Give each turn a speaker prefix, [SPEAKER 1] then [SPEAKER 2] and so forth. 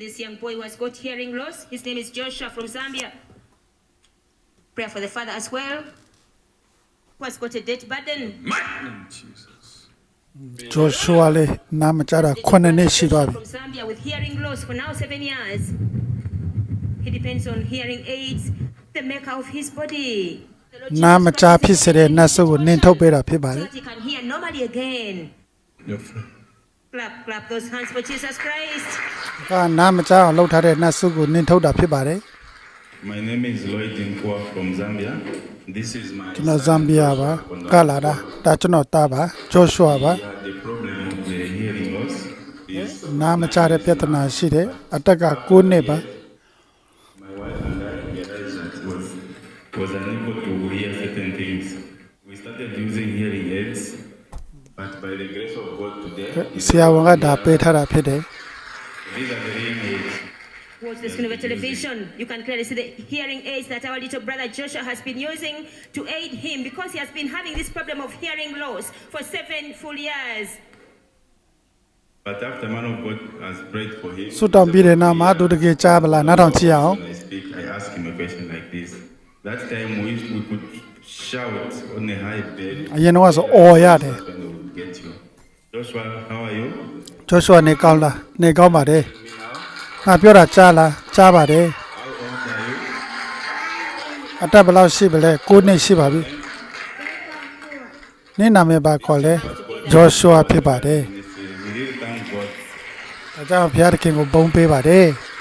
[SPEAKER 1] this young boy who has got hearing loss. His name is Joshua from Zambia. Pray for the father as well, who has got a debt burden.
[SPEAKER 2] Jesus.
[SPEAKER 3] Joshua လေးနားမကြတာ9နှစ်ရှိသွားပြီ
[SPEAKER 1] From Zambia with hearing loss for now 7 years. He depends on hearing aids, the maker of his body. The Lord
[SPEAKER 3] နားမ
[SPEAKER 1] Jesus
[SPEAKER 3] ကြ
[SPEAKER 1] Christ
[SPEAKER 3] ဖြစ်စေတဲ့နတ်ဆုကိုနင်ထုတ်ပေးတာဖြစ်ပါ
[SPEAKER 1] so
[SPEAKER 3] တယ်
[SPEAKER 1] that he can hear normally again.
[SPEAKER 2] Your friend.
[SPEAKER 1] Clap those hands for Jesus Christ.
[SPEAKER 3] ကနားမကြအောင်လှုပ်ထားတဲ့နတ်ဆုကိုနင်ထုတ်တာဖြစ်ပါတယ်
[SPEAKER 2] My name is Lloyd Nkwa from Zambia. This is my
[SPEAKER 3] ကျွန်တော်ဇမ်ဘီယာပါကလာတာဒါကျွန်တော်တာပါဂျောရှွာပါ
[SPEAKER 2] Yeah, the problem of the hearing loss is
[SPEAKER 3] နားမကြတဲ့ပြဿနာရှိတယ်အတက်က9နှစ်ပါ
[SPEAKER 2] my wife and I realized that was unable to hear certain things. We started using hearing aids, but by the grace of God today,
[SPEAKER 3] ဆရာဝန်ကဒါပေးထားတာဖြစ်တယ်
[SPEAKER 2] these are the hearing aids.
[SPEAKER 1] Watch the screen of the television. You can clearly see the hearing aids that our little brother Joshua has been using to aid him because he has been having this problem of hearing loss for 7 full years.
[SPEAKER 2] But after man of God has prayed for him,
[SPEAKER 3] ဆုတောင်းပြီးတဲ့နောက်မှာသူတကယ်ကြားပလားနားထောင်ကြည့်အောင်
[SPEAKER 2] when I speak, I ask him a question like this. That time we could shout on a high bed.
[SPEAKER 3] အရင်တော့ဆိုအော်ရတယ်
[SPEAKER 2] Husband will get you. Joshua, how are you?
[SPEAKER 3] ဂျောရှွာနေကောင်းလားနေကောင်းပါတယ်
[SPEAKER 2] Me now?
[SPEAKER 3] ငါပြောတာကြားလားကြားပါတယ်
[SPEAKER 2] How old are you?
[SPEAKER 3] အတက်ဘယ်လောက်ရှိပါလဲ9နှစ်ရှိပါပြီနင်းနာမည်ပါခေါ်လဲဂျောရှွာဖြစ်ပါတယ်
[SPEAKER 2] We really thank God.
[SPEAKER 3] ဒါကြောင့်ဘုရားသခင်ကိုဘုန်းပေးပါတယ်